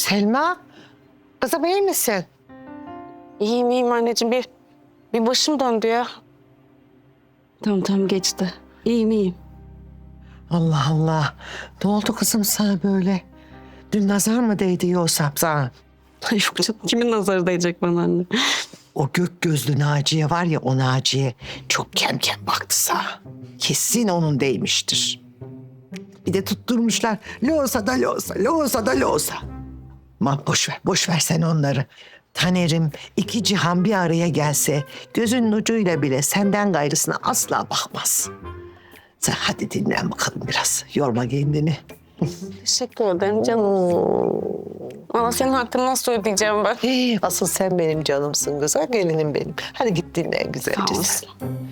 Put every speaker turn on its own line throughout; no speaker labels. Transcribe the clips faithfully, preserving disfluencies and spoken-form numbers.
Selma, kızım iyi misin?
İyiyim iyiyim anneciğim. Bir, bir başım döndü ya.
Tamam tamam geçti. İyiyim iyiyim.
Allah Allah. Ne oldu kızım sana böyle? Dün nazar mı değdi yoksa sana?
Yok canım, kimin nazarı değecek bana anne?
O gök gözlü Naciye var ya, o Naciye çok kem kem baktı sana. Kesin onun değmiştir. Bir de tutturmuşlar. Loğusa da loğusa, loğusa da loğusa. Aman boş ver, boş ver sen onları. Taner'im iki cihan bir araya gelse gözünün ucuyla bile senden gayrısına asla bakmaz. Sen hadi dinlen bakalım biraz. Yorma kendini.
Teşekkür ederim canım. Ama senin hakkını nasıl ödeyeceğim ben?
Ee, asıl sen benim canımsın, güzel gelinim benim. Hadi git dinlen güzelce
Sağ
sen.
olasın.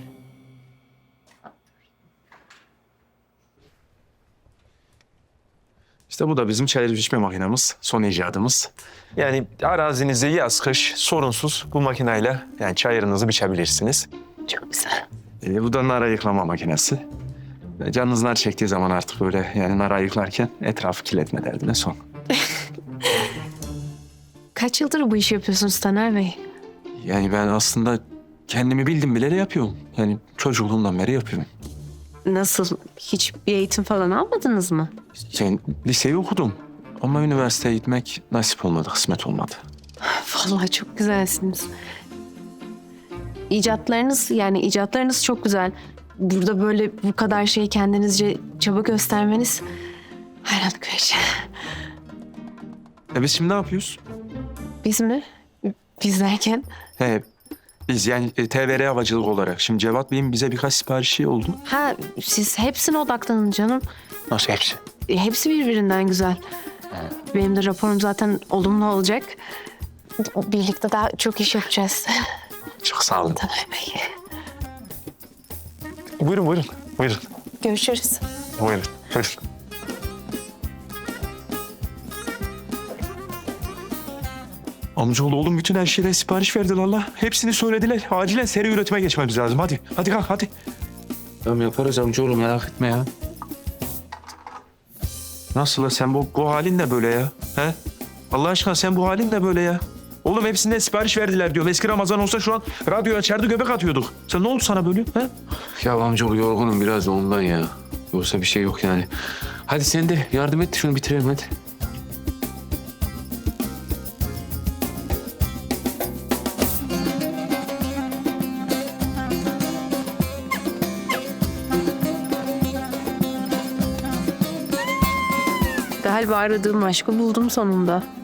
İşte bu da bizim çayır biçme makinamız, son icadımız. Yani arazinizde yaz kış sorunsuz bu makineyle yani çayırınızı biçebilirsiniz.
Çok güzel.
Ee, bu da nar ayıklama makinesi. Ee, Canınız nar çektiği zaman artık böyle yani nar ayıklarken etrafı kirletme derdine son.
Kaç yıldır bu işi yapıyorsunuz Taner Bey?
Yani ben aslında kendimi bildim bileli yapıyorum. Yani çocukluğumdan beri yapıyorum.
Nasıl? Hiç bir eğitim falan almadınız mı?
Yani liseyi okudum ama üniversiteye gitmek nasip olmadı, kısmet olmadı.
Vallahi çok güzelsiniz. İcatlarınız yani icatlarınız çok güzel. Burada böyle bu kadar şeyi kendinizce çaba göstermeniz hayranlık verici.
E biz şimdi ne yapıyoruz?
Biz mi? Biz derken?
He, biz yani e, T V R havacılık olarak. Şimdi Cevat Bey'in bize birkaç siparişi oldu.
Ha siz hepsine odaklanın canım.
Nasıl hepsi?
E, Hepsi birbirinden güzel. Benim de raporum zaten olumlu olacak. Birlikte daha çok iş yapacağız.
Çok sağ olun.
Taner Bey.
Buyurun buyurun. Buyurun.
Görüşürüz.
Buyurun. Buyurun. Amcaoğlu oğlum bütün her şeyden sipariş verdiler Allah. Hepsini söylediler. Acilen seri üretime geçmemiz lazım. Hadi. Hadi kalk hadi.
Tamam yaparız amcaoğlu merak etme ya.
Nasıl la sen bu, bu halin ne böyle ya? He? Allah aşkına sen bu halin ne böyle ya? Oğlum hepsinden sipariş verdiler diyorum. Eski Ramazan olsa şu an radyo açardı göbek atıyorduk. Sen ne oldu sana böyle? He?
Ya amcaoğlu yorgunum biraz da ondan ya. Yoksa bir şey yok yani. Hadi sen de yardım et şunu bitirelim hadi.
Galiba aradığım aşkı buldum sonunda.